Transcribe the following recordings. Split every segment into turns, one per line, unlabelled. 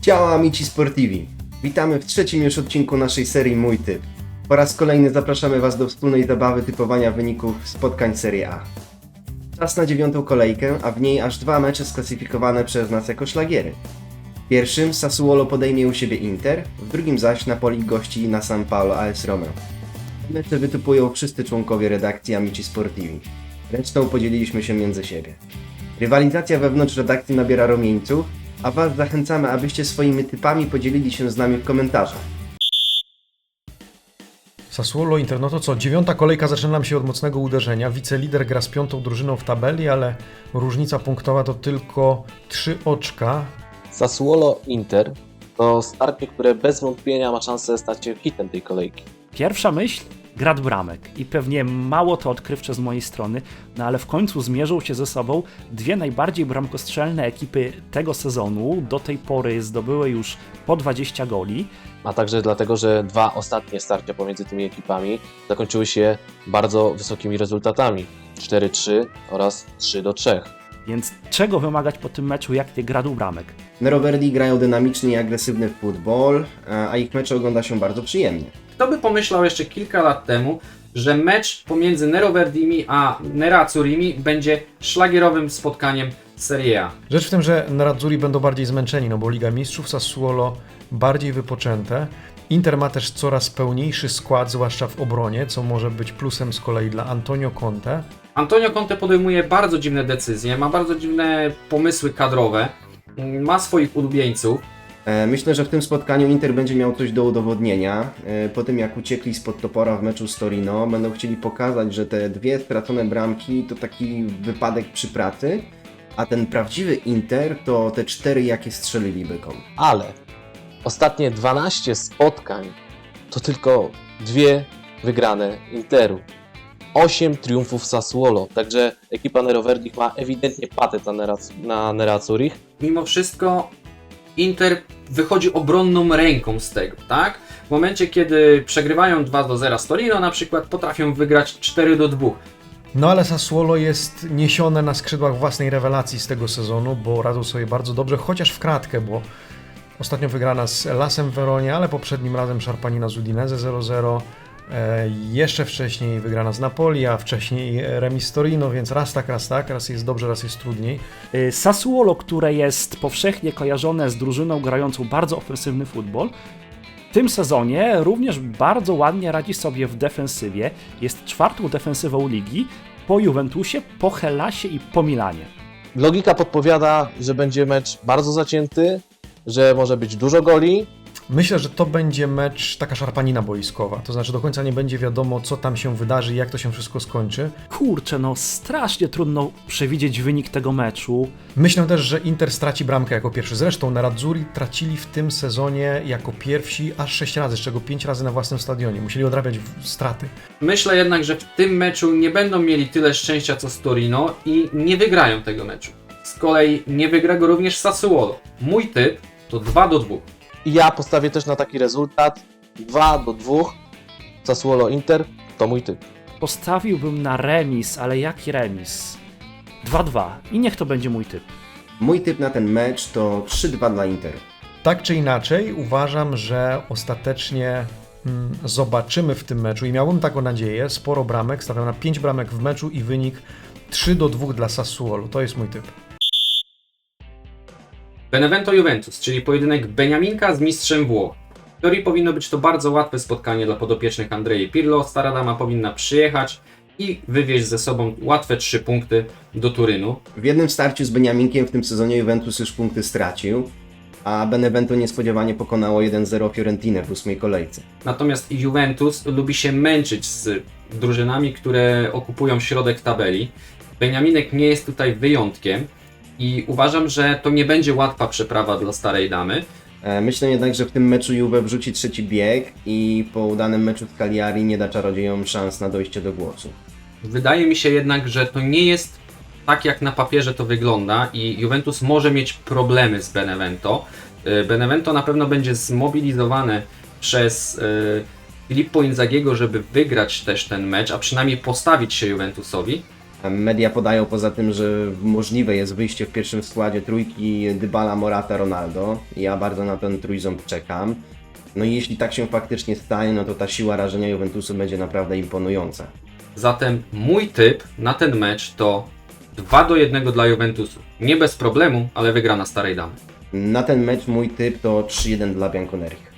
Ciao amici sportivi! Witamy w trzecim już odcinku naszej serii Mój Typ. Po raz kolejny zapraszamy Was do wspólnej zabawy typowania wyników spotkań Serie A. Czas na 9. kolejkę, a w niej aż 2 mecze sklasyfikowane przez nas jako szlagiery. W pierwszym Sassuolo podejmie u siebie Inter, w drugim zaś Napoli gości na San Paolo AS Roma. Mecze wytypują wszyscy członkowie redakcji Amici Sportivi. Resztą podzieliliśmy się między siebie. Rywalizacja wewnątrz redakcji nabiera rumieńców, a Was zachęcamy, abyście swoimi typami podzielili się z nami w komentarzach.
Sassuolo, Inter, no to co? 9. kolejka zaczyna nam się od mocnego uderzenia. Wicelider gra z 5. drużyną w tabeli, ale różnica punktowa to tylko 3 oczka.
Sassuolo Inter to starcie, które bez wątpienia ma szansę stać się hitem tej kolejki.
Pierwsza myśl? Grad bramek. I pewnie mało to odkrywcze z mojej strony, no ale w końcu zmierzą się ze sobą dwie najbardziej bramkostrzelne ekipy tego sezonu. Do tej pory zdobyły już po 20 goli.
A także dlatego, że 2 ostatnie starcia pomiędzy tymi ekipami zakończyły się bardzo wysokimi rezultatami. 4-3 oraz 3-3.
Więc czego wymagać po tym meczu, jak nie gradu bramek?
Neroverdi grają dynamiczny i agresywny futbol, a ich mecze ogląda się bardzo przyjemnie.
Kto by pomyślał jeszcze kilka lat temu, że mecz pomiędzy Neroverdimi a Nerazzurimi będzie szlagierowym spotkaniem Serie A.
Rzecz w tym, że Nerazzurri będą bardziej zmęczeni, no bo Liga Mistrzów, Sassuolo bardziej wypoczęte. Inter ma też coraz pełniejszy skład, zwłaszcza w obronie, co może być plusem z kolei dla Antonio Conte.
Antonio Conte podejmuje bardzo dziwne decyzje, ma bardzo dziwne pomysły kadrowe, ma swoich ulubieńców.
Myślę, że w tym spotkaniu Inter będzie miał coś do udowodnienia. Po tym jak uciekli spod topora w meczu z Torino, będą chcieli pokazać, że te 2 stracone bramki to taki wypadek przy pracy, a ten prawdziwy Inter to te 4, jakie strzelili bykom.
Ale ostatnie 12 spotkań to tylko 2 wygrane Interu. 8 triumfów Sassuolo, także ekipa Neroverdich ma ewidentnie patent na Nerazzurich.
Mimo wszystko Inter wychodzi obronną ręką z tego, tak? W momencie, kiedy przegrywają 2-0 z Torino na przykład, potrafią wygrać 4-2.
No ale Sassuolo jest niesione na skrzydłach własnej rewelacji z tego sezonu, bo radzą sobie bardzo dobrze, chociaż w kratkę, bo ostatnio wygrana z Elasem w Weronie, ale poprzednim razem szarpanina z Udinese 0-0. Jeszcze wcześniej wygrana z Napoli, a wcześniej remis z Torino, więc raz tak, raz jest dobrze, raz jest trudniej.
Sassuolo, które jest powszechnie kojarzone z drużyną grającą bardzo ofensywny futbol, w tym sezonie również bardzo ładnie radzi sobie w defensywie. Jest 4. defensywą ligi po Juventusie, po Hellasie i po Milanie.
Logika podpowiada, że będzie mecz bardzo zacięty, że może być dużo goli.
Myślę, że to będzie mecz taka szarpanina boiskowa, to znaczy do końca nie będzie wiadomo, co tam się wydarzy i jak to się wszystko skończy.
Kurczę, no strasznie trudno przewidzieć wynik tego meczu.
Myślę też, że Inter straci bramkę jako pierwszy. Zresztą Nerazzurri tracili w tym sezonie jako pierwsi aż 6 razy, z czego 5 razy na własnym stadionie. Musieli odrabiać straty.
Myślę jednak, że w tym meczu nie będą mieli tyle szczęścia co z Torino i nie wygrają tego meczu. Z kolei nie wygra go również Sassuolo. Mój typ to 2-2.
I ja postawię też na taki rezultat 2-2 Sassuolo Inter, to mój typ.
Postawiłbym na remis, ale jaki remis? 2-2 i niech to będzie mój typ.
Mój typ na ten mecz to 3-2 dla Interu.
Tak czy inaczej, uważam, że ostatecznie zobaczymy w tym meczu i miałbym taką nadzieję, sporo bramek, stawiam na 5 bramek w meczu i wynik 3-2 dla Sassuolo. To jest mój typ.
Benevento Juventus, czyli pojedynek Beniaminka z mistrzem Włoch. W teorii powinno być to bardzo łatwe spotkanie dla podopiecznych Andrei Pirlo. Stara dama powinna przyjechać i wywieźć ze sobą łatwe 3 punkty do Turynu.
W jednym starciu z Beniaminkiem w tym sezonie Juventus już punkty stracił, a Benevento niespodziewanie pokonało 1-0 Fiorentinę w 8. kolejce.
Natomiast Juventus lubi się męczyć z drużynami, które okupują środek tabeli. Beniaminek nie jest tutaj wyjątkiem i uważam, że to nie będzie łatwa przeprawa dla starej damy.
Myślę jednak, że w tym meczu Juve wrzuci trzeci bieg i po udanym meczu z Cagliari nie da czarodziejom szans na dojście do głosu.
Wydaje mi się jednak, że to nie jest tak, jak na papierze to wygląda i Juventus może mieć problemy z Benevento. Benevento na pewno będzie zmobilizowane przez Filippo Inzaghiego, żeby wygrać też ten mecz, a przynajmniej postawić się Juventusowi.
Media podają poza tym, że możliwe jest wyjście w pierwszym składzie trójki Dybala, Morata, Ronaldo. Ja bardzo na ten trójząb czekam. No i jeśli tak się faktycznie stanie, no to ta siła rażenia Juventusu będzie naprawdę imponująca.
Zatem mój typ na ten mecz to 2-1 dla Juventusu. Nie bez problemu, ale wygrana starej damy.
Na ten mecz mój typ to 3-1 dla Bianconerich.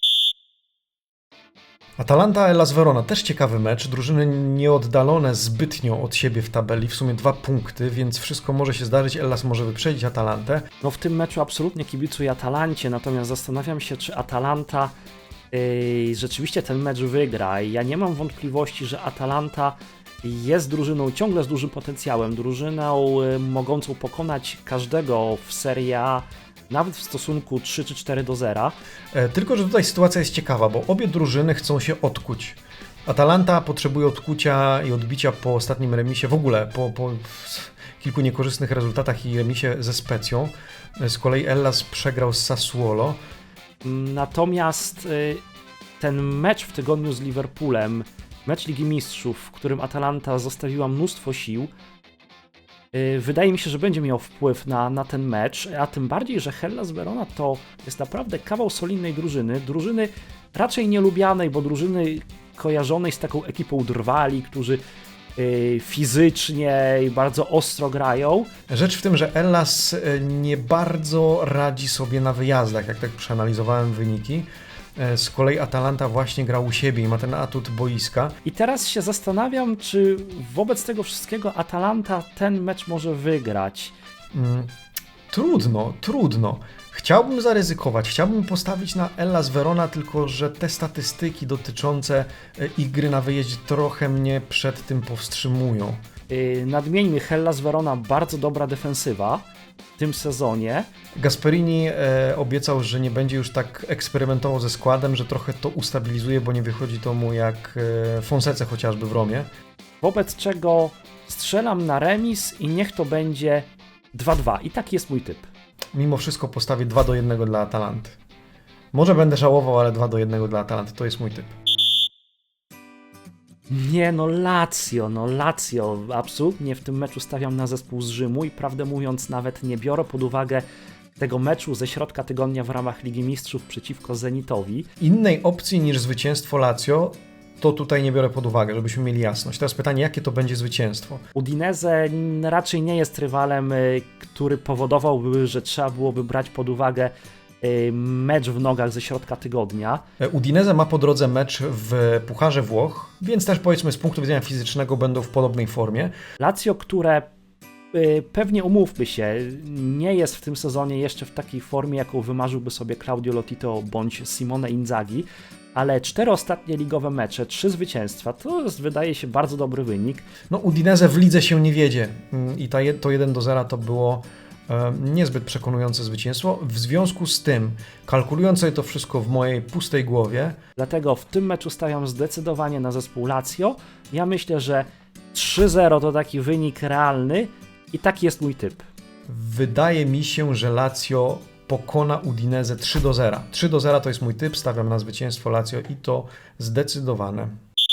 Atalanta Hellas Verona, też ciekawy mecz, drużyny nieoddalone zbytnio od siebie w tabeli, w sumie 2 punkty, więc wszystko może się zdarzyć, Hellas może wyprzedzić Atalantę.
No w tym meczu absolutnie kibicuję Atalancie, natomiast zastanawiam się, czy Atalanta rzeczywiście ten mecz wygra. Ja nie mam wątpliwości, że Atalanta jest drużyną ciągle z dużym potencjałem, drużyną mogącą pokonać każdego w Serie A, nawet w stosunku 3 czy 4-0.
Tylko że tutaj sytuacja jest ciekawa, bo obie drużyny chcą się odkuć. Atalanta potrzebuje odkucia i odbicia po ostatnim remisie, w ogóle po kilku niekorzystnych rezultatach i remisie ze Specją. Z kolei Hellas przegrał z Sassuolo.
Natomiast ten mecz w tygodniu z Liverpoolem, mecz Ligi Mistrzów, w którym Atalanta zostawiła mnóstwo sił, wydaje mi się, że będzie miał wpływ na ten mecz, a tym bardziej, że Hellas Verona to jest naprawdę kawał solidnej drużyny raczej nielubianej, bo drużyny kojarzonej z taką ekipą drwali, którzy fizycznie i bardzo ostro grają.
Rzecz w tym, że Hellas nie bardzo radzi sobie na wyjazdach, jak tak przeanalizowałem wyniki. Z kolei Atalanta właśnie gra u siebie i ma ten atut boiska.
I teraz się zastanawiam, czy wobec tego wszystkiego Atalanta ten mecz może wygrać.
Trudno. Chciałbym zaryzykować, chciałbym postawić na Hellas Verona, tylko że te statystyki dotyczące ich gry na wyjeździe trochę mnie przed tym powstrzymują.
Nadmieńmy, Hellas Verona bardzo dobra defensywa w tym sezonie.
Gasperini obiecał, że nie będzie już tak eksperymentował ze składem, że trochę to ustabilizuje, bo nie wychodzi to mu jak Fonsece chociażby w Romie.
Wobec czego strzelam na remis i niech to będzie 2-2. I taki jest mój typ.
Mimo wszystko postawię 2-1 dla Atalanty. Może będę żałował, ale 2-1 dla Atalanty to jest mój typ.
Nie, Lazio. Absolutnie w tym meczu stawiam na zespół z Rzymu i prawdę mówiąc nawet nie biorę pod uwagę tego meczu ze środka tygodnia w ramach Ligi Mistrzów przeciwko Zenitowi.
Innej opcji niż zwycięstwo Lazio to tutaj nie biorę pod uwagę, żebyśmy mieli jasność. Teraz pytanie, jakie to będzie zwycięstwo?
Udinese raczej nie jest rywalem, który powodowałby, że trzeba byłoby brać pod uwagę mecz w nogach ze środka tygodnia.
Udinese ma po drodze mecz w Pucharze Włoch, więc też powiedzmy z punktu widzenia fizycznego będą w podobnej formie.
Lazio, które pewnie umówmy się, nie jest w tym sezonie jeszcze w takiej formie, jaką wymarzyłby sobie Claudio Lotito bądź Simone Inzaghi, ale 4 ostatnie ligowe mecze, 3 zwycięstwa, to jest, wydaje się, bardzo dobry wynik.
No Udinese w lidze się nie wiedzie i to 1-0 to było niezbyt przekonujące zwycięstwo. W związku z tym, kalkulując sobie to wszystko w mojej pustej głowie,
Dlatego w tym meczu stawiam zdecydowanie na zespół Lazio. Ja myślę, że 3-0 to taki wynik realny i taki jest mój typ.
wydaje mi się, że Lazio pokona Udinese 3-0. 3-0 to jest mój typ, stawiam na zwycięstwo Lazio i to zdecydowane.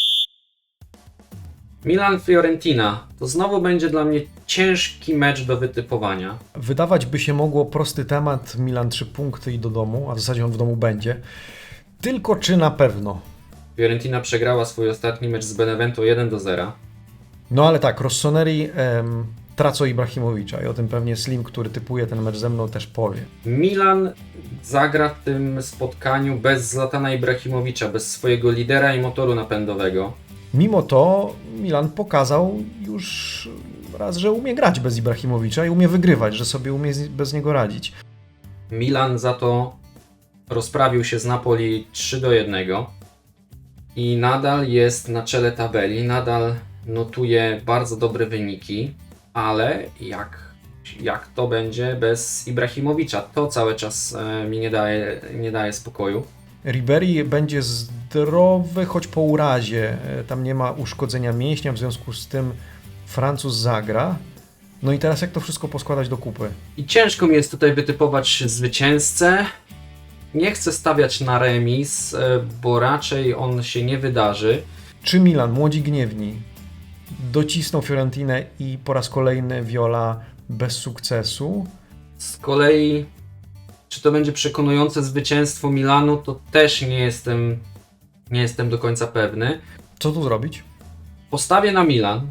Milan-Fiorentina to znowu będzie dla mnie ciężki mecz do wytypowania.
Wydawać by się mogło prosty temat, Milan 3 punkty i do domu, a w zasadzie on w domu będzie. Tylko czy na pewno?
Fiorentina przegrała swój ostatni mecz z Benevento 1-0.
No ale tak, Rossoneri tracą Ibrahimowicza i o tym pewnie Slim, który typuje ten mecz ze mną, też powie.
Milan zagra w tym spotkaniu bez Zlatana Ibrahimowicza, bez swojego lidera i motoru napędowego.
Mimo to Milan pokazał już raz, że umie grać bez Ibrahimowicza i umie wygrywać, że sobie umie bez niego radzić.
Milan za to rozprawił się z Napoli 3-1 i nadal jest na czele tabeli, nadal notuje bardzo dobre wyniki, ale jak to będzie bez Ibrahimowicza? To cały czas mi nie daje spokoju.
Ribery będzie zdrowy, choć po urazie. Tam nie ma uszkodzenia mięśnia, w związku z tym Francuz zagra. No i teraz jak to wszystko poskładać do kupy?
I ciężko mi jest tutaj wytypować zwycięzcę. Nie chcę stawiać na remis, bo raczej on się nie wydarzy.
Czy Milan, młodzi gniewni, docisną Fiorentinę i po raz kolejny Viola bez sukcesu.
Z kolei, czy to będzie przekonujące zwycięstwo Milanu, to też nie jestem do końca pewny.
Co tu zrobić?
Postawię na Milan.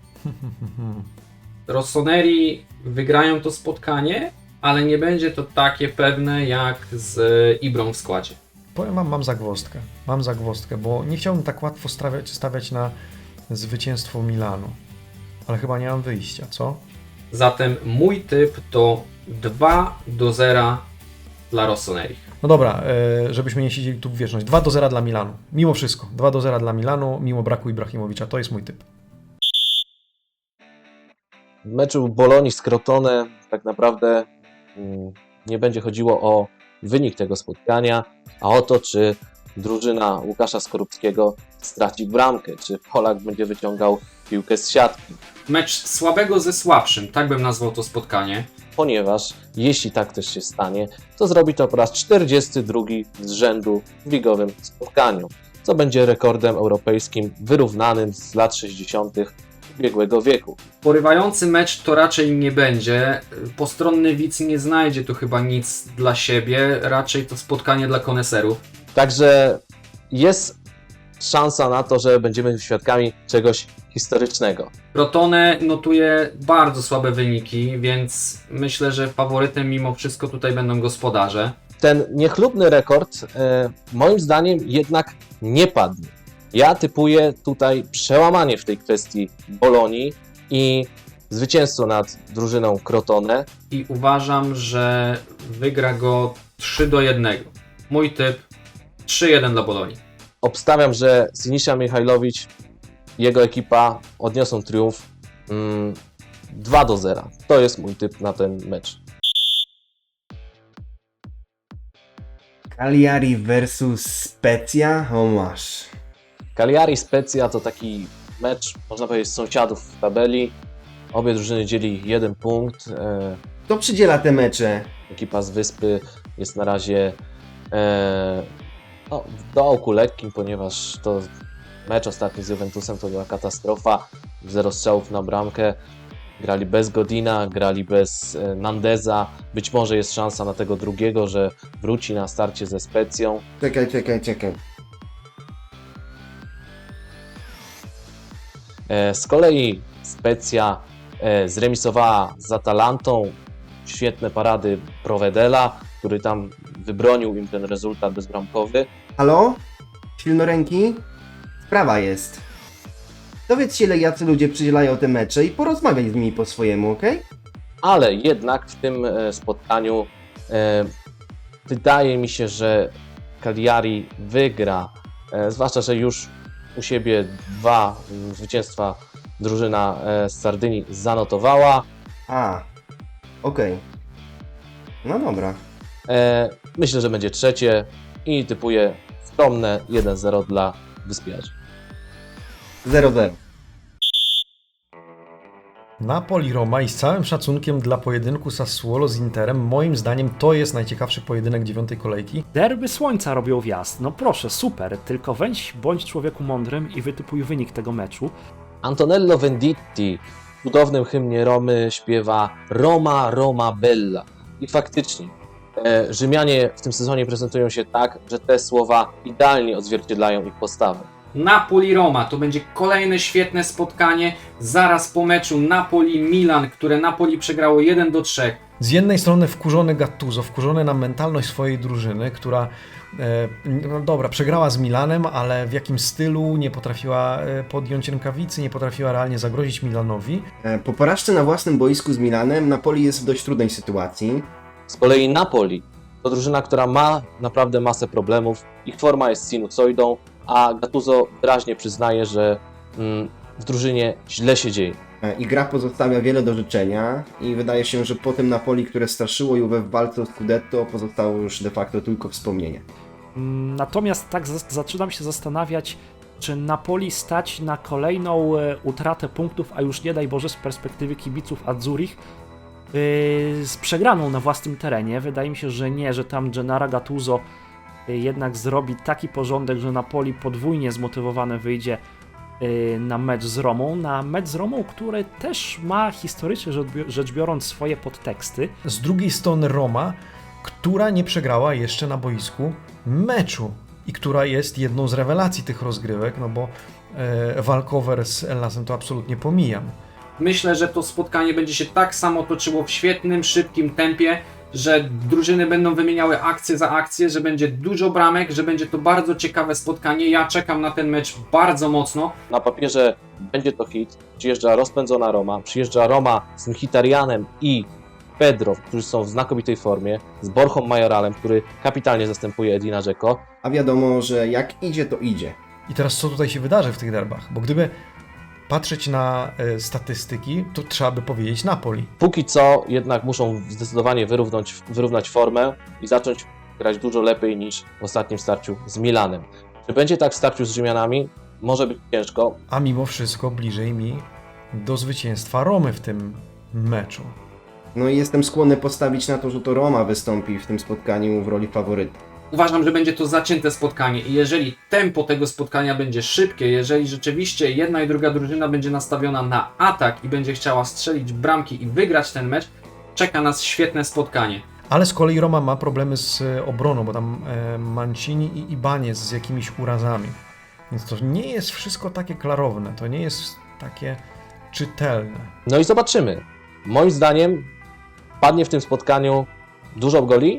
Rossoneri wygrają to spotkanie, ale nie będzie to takie pewne jak z Ibrą w składzie.
Powiem wam, mam zagwozdkę, bo nie chciałbym tak łatwo stawiać na zwycięstwo Milanu, ale chyba nie mam wyjścia, co?
Zatem mój typ to 2-0 dla Rossoneri.
No dobra, żebyśmy nie siedzieli tu w wieczność. 2-0 dla Milanu. Mimo wszystko. 2-0 dla Milanu, mimo braku Ibrahimowicza. To jest mój typ.
W meczu Bolonii z Crotone tak naprawdę nie będzie chodziło o wynik tego spotkania, a o to, czy drużyna Łukasza Skorupskiego straci bramkę, czy Polak będzie wyciągał piłkę z siatki.
Mecz słabego ze słabszym, tak bym nazwał to spotkanie.
Ponieważ jeśli tak też się stanie, to zrobi to po raz 42 z rzędu w ligowym spotkaniu, co będzie rekordem europejskim wyrównanym z lat 60. ubiegłego wieku.
Porywający mecz to raczej nie będzie. Postronny widz nie znajdzie tu chyba nic dla siebie. Raczej to spotkanie dla koneserów.
Także jest szansa na to, że będziemy świadkami czegoś historycznego.
Crotone notuje bardzo słabe wyniki, więc myślę, że faworytem mimo wszystko tutaj będą gospodarze.
Ten niechlubny rekord moim zdaniem jednak nie padnie. Ja typuję tutaj przełamanie w tej kwestii Bolonii i zwycięstwo nad drużyną Crotone.
I uważam, że wygra go 3-1. Mój typ 3-1 dla Bolonii.
Obstawiam, że Sinisa Mihajlowicz i jego ekipa odniosą triumf 2-0. To jest mój typ na ten mecz.
Cagliari versus Spezia? O masz.
Cagliari Spezia to taki mecz, można powiedzieć, sąsiadów w tabeli. Obie drużyny dzieli 1 punkt.
Kto przydziela te mecze?
Ekipa z Wyspy jest na razie w dołku lekkim, ponieważ to mecz ostatni z Juventusem to była katastrofa. 0 strzałów na bramkę. Grali bez Godina, grali bez Nandeza. Być może jest szansa na tego drugiego, że wróci na starcie ze Specją.
Czekaj.
Z kolei Specja zremisowała z Atalantą. Świetne parady Provedela, który tam wybronił im ten rezultat bezbramkowy.
Halo? Silnoręki? Sprawa jest. Dowiedz się, jacy ludzie przydzielają te mecze i porozmawiaj z nimi po swojemu, okej?
Ale jednak w tym spotkaniu wydaje mi się, że Cagliari wygra, zwłaszcza, że już u siebie 2 zwycięstwa drużyna z Sardynii zanotowała.
Okej. No dobra.
Myślę, że będzie trzecie i typuję skromne 1-0 dla Wyspiarzy.
0-0.
Napoli-Roma i z całym szacunkiem dla pojedynku Sassuolo z Interem, moim zdaniem to jest najciekawszy pojedynek 9. kolejki.
Derby Słońca robią wjazd. No proszę, super, tylko bądź człowieku mądrym i wytypuj wynik tego meczu.
Antonello Venditti w cudownym hymnie Romy śpiewa Roma, Roma Bella. I faktycznie Rzymianie w tym sezonie prezentują się tak, że te słowa idealnie odzwierciedlają ich postawę.
Napoli-Roma to będzie kolejne świetne spotkanie. Zaraz po meczu Napoli-Milan, które Napoli przegrało 1-3.
Z jednej strony wkurzony Gattuso, wkurzony na mentalność swojej drużyny, która no dobra, przegrała z Milanem, ale w jakim stylu, nie potrafiła podjąć rękawicy, nie potrafiła realnie zagrozić Milanowi.
Po porażce na własnym boisku z Milanem Napoli jest w dość trudnej sytuacji.
Z kolei Napoli to drużyna, która ma naprawdę masę problemów. Ich forma jest sinusoidą, a Gattuso wyraźnie przyznaje, że w drużynie źle się dzieje.
I gra pozostawia wiele do życzenia i wydaje się, że po tym Napoli, które straszyło Juve w walce o Scudetto, pozostało już de facto tylko wspomnienie.
Natomiast tak zaczynam się zastanawiać, czy Napoli stać na kolejną utratę punktów, a już nie daj Boże z perspektywy kibiców Azzurich, z przegraną na własnym terenie. Wydaje mi się, że nie, że tam Gennaro Gattuso jednak zrobi taki porządek, że Napoli podwójnie zmotywowane wyjdzie na mecz z Romą, który też ma historycznie rzecz biorąc swoje podteksty.
Z drugiej strony Roma, która nie przegrała jeszcze na boisku meczu i która jest jedną z rewelacji tych rozgrywek, no bo walkover z Hellasem to absolutnie pomijam.
Myślę, że to spotkanie będzie się tak samo toczyło w świetnym, szybkim tempie, że drużyny będą wymieniały akcję za akcję, że będzie dużo bramek, że będzie to bardzo ciekawe spotkanie. Ja czekam na ten mecz bardzo mocno.
Na papierze będzie to hit. Przyjeżdża rozpędzona Roma, przyjeżdża Roma z Mkhitaryanem i Pedro, którzy są w znakomitej formie, z Borchą Majoralem, który kapitalnie zastępuje Edina Dzeko.
A wiadomo, że jak idzie, to idzie.
I teraz co tutaj się wydarzy w tych derbach? Bo gdyby patrzeć na statystyki, to trzeba by powiedzieć Napoli.
Póki co jednak muszą zdecydowanie wyrównać formę i zacząć grać dużo lepiej niż w ostatnim starciu z Milanem. Czy będzie tak w starciu z Rzymianami? Może być ciężko.
A mimo wszystko bliżej mi do zwycięstwa Romy w tym meczu.
No i jestem skłonny postawić na to, że to Roma wystąpi w tym spotkaniu w roli faworyta.
Uważam, że będzie to zacięte spotkanie i jeżeli tempo tego spotkania będzie szybkie, jeżeli rzeczywiście jedna i druga drużyna będzie nastawiona na atak i będzie chciała strzelić bramki i wygrać ten mecz, czeka nas świetne spotkanie.
Ale z kolei Roma ma problemy z obroną, bo tam Mancini i Ibanez z jakimiś urazami. Więc to nie jest wszystko takie klarowne, to nie jest takie czytelne.
No i zobaczymy. Moim zdaniem padnie w tym spotkaniu dużo goli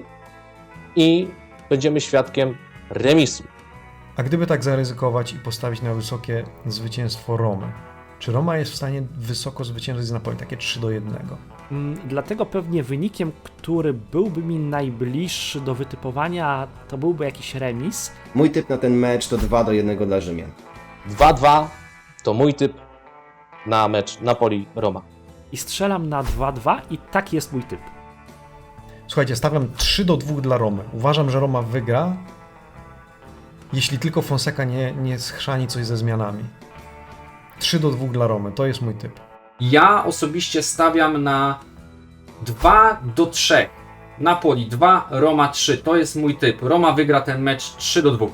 i będziemy świadkiem remisu.
A gdyby tak zaryzykować i postawić na wysokie zwycięstwo Romy, czy Roma jest w stanie wysoko zwyciężyć z Napoli, takie 3-1?
Dlatego pewnie wynikiem, który byłby mi najbliższy do wytypowania, to byłby jakiś remis.
Mój typ na ten mecz to 2-1 dla Rzymian.
2-2 to mój typ na mecz Napoli-Roma.
I strzelam na 2-2 i taki jest mój typ.
Słuchajcie, stawiam 3-2 dla Romy. Uważam, że Roma wygra, jeśli tylko Fonseca nie schrzani coś ze zmianami. 3-2 dla Romy, to jest mój typ.
Ja osobiście stawiam na 2-3. Napoli 2, Roma 3. To jest mój typ. Roma wygra ten mecz 3-2.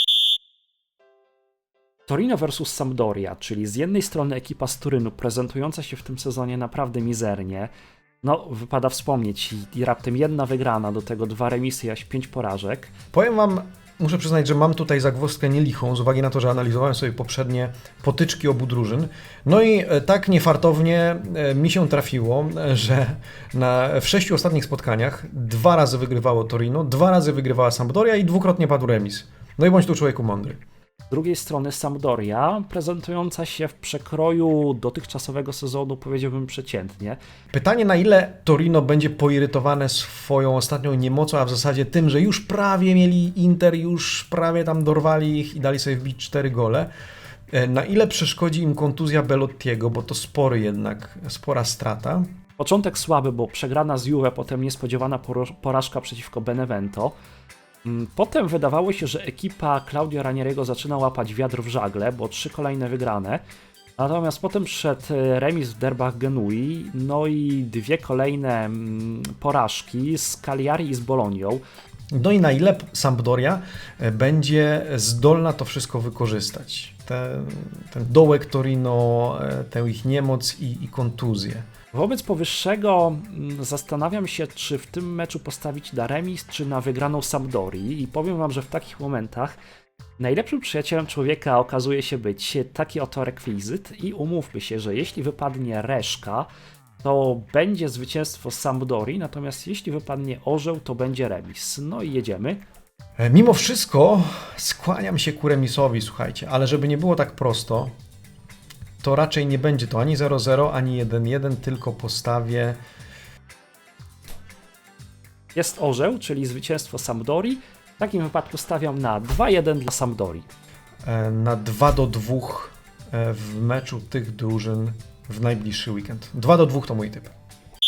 Torino versus Sampdoria, czyli z jednej strony ekipa z Turynu prezentująca się w tym sezonie naprawdę mizernie. No, wypada wspomnieć, i raptem jedna wygrana, do tego 2 remisy, aż 5 porażek.
Powiem wam, muszę przyznać, że mam tutaj zagwozdkę nielichą, z uwagi na to, że analizowałem sobie poprzednie potyczki obu drużyn. No i tak niefartownie mi się trafiło, że w 6 ostatnich spotkaniach 2 razy wygrywało Torino, 2 razy wygrywała Sampdoria i 2-krotnie padł remis. No i bądź tu człowieku mądry.
Z drugiej strony Sampdoria, prezentująca się w przekroju dotychczasowego sezonu, powiedziałbym przeciętnie.
Pytanie, na ile Torino będzie poirytowane swoją ostatnią niemocą, a w zasadzie tym, że już prawie mieli Inter, już prawie tam dorwali ich i dali sobie wbić 4 gole. Na ile przeszkodzi im kontuzja Belottiego, bo to spora strata.
Początek słaby, bo przegrana z Juve, potem niespodziewana porażka przeciwko Benevento. Potem wydawało się, że ekipa Claudio Ranieriego zaczyna łapać wiatr w żagle, bo 3 kolejne wygrane. Natomiast potem przyszedł remis w derbach Genui, no i 2 kolejne porażki z Cagliari i z Bolonią.
No i na ile Sampdoria będzie zdolna to wszystko wykorzystać. Ten dołek Torino, tę ich niemoc i kontuzję.
Wobec powyższego zastanawiam się, czy w tym meczu postawić na remis, czy na wygraną Sampdorii, i powiem wam, że w takich momentach najlepszym przyjacielem człowieka okazuje się być taki oto rekwizyt i umówmy się, że jeśli wypadnie reszka, to będzie zwycięstwo Sampdorii, natomiast jeśli wypadnie orzeł, to będzie remis. No i jedziemy.
Mimo wszystko skłaniam się ku remisowi, słuchajcie, ale żeby nie było tak prosto, to raczej nie będzie to ani 0-0, ani 1-1, tylko postawię...
Jest orzeł, czyli zwycięstwo Sampdorii. W takim wypadku stawiam na 2-1 dla Sampdorii.
Na 2-2 w meczu tych drużyn w najbliższy weekend. 2-2 to mój typ.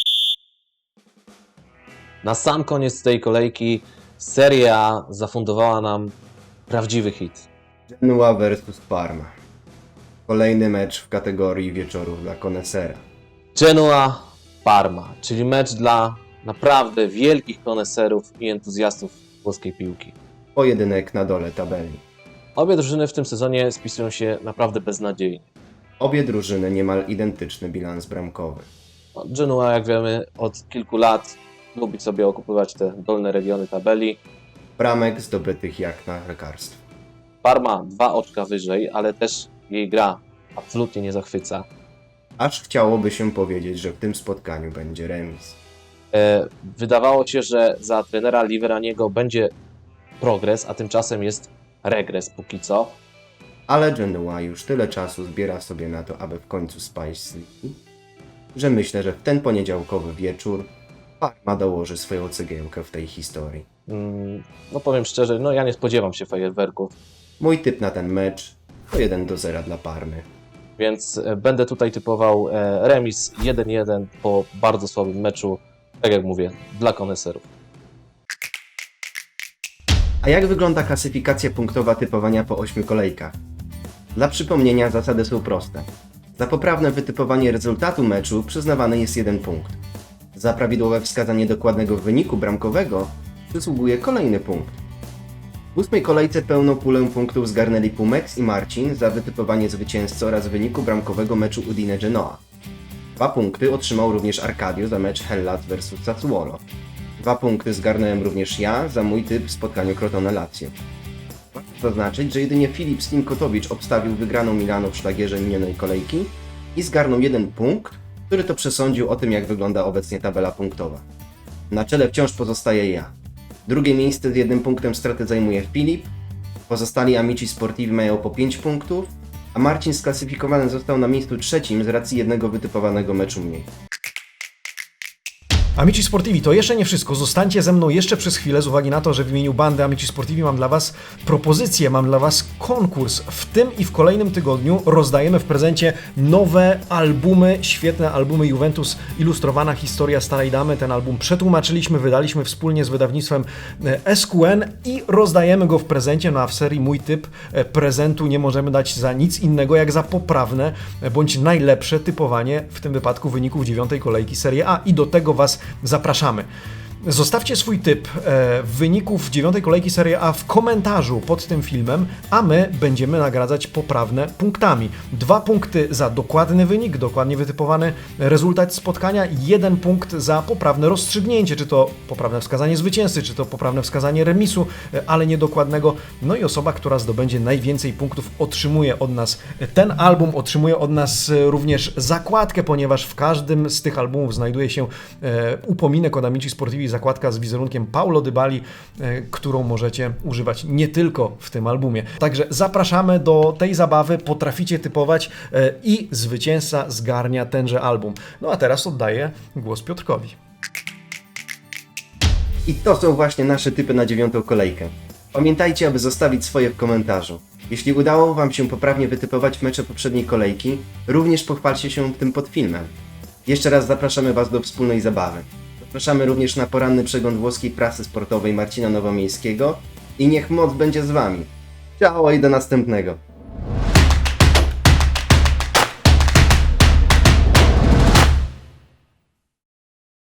Na sam koniec tej kolejki Serie A zafundowała nam prawdziwy hit.
Genoa versus Parma. Kolejny mecz w kategorii wieczorów dla konesera.
Genoa-Parma, czyli mecz dla naprawdę wielkich koneserów i entuzjastów włoskiej piłki.
Pojedynek na dole tabeli.
Obie drużyny w tym sezonie spisują się naprawdę beznadziejnie.
Obie drużyny niemal identyczny bilans bramkowy.
No, Genoa, jak wiemy, od kilku lat lubi sobie okupywać te dolne regiony tabeli.
Bramek zdobytych jak na lekarstwo.
Parma 2 oczka wyżej, ale też jej gra absolutnie nie zachwyca.
Aż chciałoby się powiedzieć, że w tym spotkaniu będzie remis.
Wydawało się, że za trenera Liveraniego będzie progres, a tymczasem jest regres póki co.
Ale Genoa już tyle czasu zbiera sobie na to, aby w końcu spaść z ligi, że myślę, że w ten poniedziałkowy wieczór Parma dołoży swoją cegiełkę w tej historii.
No powiem szczerze, no ja nie spodziewam się fajerwerków,
Mój typ na ten mecz to 1-0 dla Parmy.
więc będę tutaj typował remis 1-1 po bardzo słabym meczu, tak jak mówię, dla koneserów.
A jak wygląda klasyfikacja punktowa typowania po 8 kolejkach? Dla przypomnienia zasady są proste. Za poprawne wytypowanie rezultatu meczu przyznawany jest 1 punkt. Za prawidłowe wskazanie dokładnego wyniku bramkowego przysługuje kolejny punkt. W 8 kolejce pełną pulę punktów zgarnęli Pumex i Marcin za wytypowanie zwycięzcy oraz wyniku bramkowego meczu Udine-Genoa. 2 punkty otrzymał również Arcadio za mecz Hellas vs Sassuolo. 2 punkty zgarnąłem również ja za mój typ w spotkaniu Crotone-Lazio. Warto zaznaczyć, że jedynie Filip Slinkotowicz obstawił wygraną Milano w szlagierze minionej kolejki i zgarnął 1 punkt, który to przesądził o tym, jak wygląda obecnie tabela punktowa. Na czele wciąż pozostaje ja. Drugie miejsce z 1 punktem straty zajmuje Filip, pozostali Amici Sportivi mają po 5 punktów, a Marcin sklasyfikowany został na miejscu trzecim z racji jednego wytypowanego meczu mniej.
Amici Sportivi, to jeszcze nie wszystko. Zostańcie ze mną jeszcze przez chwilę z uwagi na to, że w imieniu bandy Amici Sportivi mam dla Was propozycję, mam dla Was konkurs. W tym i w kolejnym tygodniu rozdajemy w prezencie nowe albumy, świetne albumy Juventus, ilustrowana historia Starej Damy. Ten album przetłumaczyliśmy, wydaliśmy wspólnie z wydawnictwem SQN i rozdajemy go w prezencie. No a w serii Mój Typ prezentu nie możemy dać za nic innego jak za poprawne bądź najlepsze typowanie, w tym wypadku wyników 9. kolejki Serie A i do tego Was zapraszamy. Zostawcie swój typ wyników 9. kolejki Serie A w komentarzu pod tym filmem, a my będziemy nagradzać poprawne punktami. 2 punkty za dokładny wynik, dokładnie wytypowany rezultat spotkania, 1 punkt za poprawne rozstrzygnięcie, czy to poprawne wskazanie zwycięzcy, czy to poprawne wskazanie remisu, ale niedokładnego. No i osoba, która zdobędzie najwięcej punktów, otrzymuje od nas ten album, otrzymuje od nas również zakładkę, ponieważ w każdym z tych albumów znajduje się upominek od Amici Sportivi, zakładka z wizerunkiem Paulo Dybali, którą możecie używać nie tylko w tym albumie. Także zapraszamy do tej zabawy, potraficie typować i zwycięzca zgarnia tenże album. No a teraz oddaję głos Piotrkowi.
I to są właśnie nasze typy na 9. kolejkę. Pamiętajcie, aby zostawić swoje w komentarzu. Jeśli udało Wam się poprawnie wytypować mecze poprzedniej kolejki, również pochwalcie się tym pod filmem. Jeszcze raz zapraszamy Was do wspólnej zabawy. Zapraszamy również na poranny przegląd włoskiej prasy sportowej Marcina Nowomiejskiego i niech moc będzie z Wami. Ciao i do następnego.